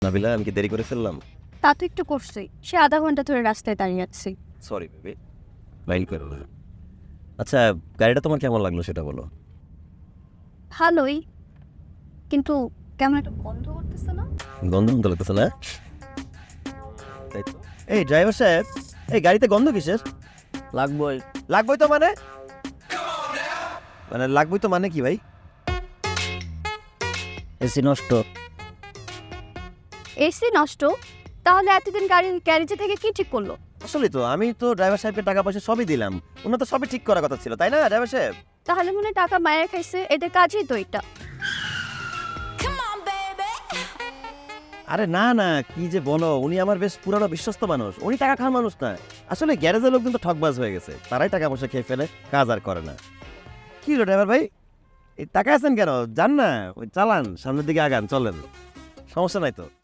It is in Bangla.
নাবিলা, আমি কি দেরি করে ফেললাম? তা তো একটু করছি, সে আধা ঘন্টা ধরে রাস্তায় দাঁড়িয়ে আছি। সরি বেবি, মাইন্ড করো না। আচ্ছা, গাড়িটা তোমার কেমন লাগলো সেটা বলো। ভালোই, কিন্তু কেমন একটা গন্ধ করতেছে না? গন্ধ গন্ধ লাগতেছে না? তাই তো। এই ড্রাইভার সাহেব, এই গাড়িতে গন্ধ কিসের? লাগবই। লাগবই তো মানে লাগবই তো মানে কি ভাই? এসি নষ্ট। এসি নষ্ট? তাহলে এতদিন গাড়ির গ্যারেজে থেকে কি ঠিক করলো? আসলে তো আমি তো ড্রাইভার সাহেবকে টাকা পয়সা সবই দিলাম, ওনার তো সবই ঠিক করার কথা ছিল, তাই না ড্রাইভার সাহেব? তাহলে মনে হয় টাকা মায়ের খাইছে, এদের কাজই তো এটা। আরে না না, কি যে বলো, উনি আমার বেশ পুরানো বিশ্বস্ত মানুষ, উনি টাকা খাওয়ার মানুষ না। আসলে গ্যারেজের লোকজন তো ঠকবাজ হয়ে গেছে, তারাই টাকা পয়সা খেয়ে ফেলে, কাজ আর করে না। কি হলো ড্রাইভার ভাই, এই টাকা আছেন কেন? যান না, ওই চালান, সামনের দিকে আগান, চলেন, সমস্যা নাই তো।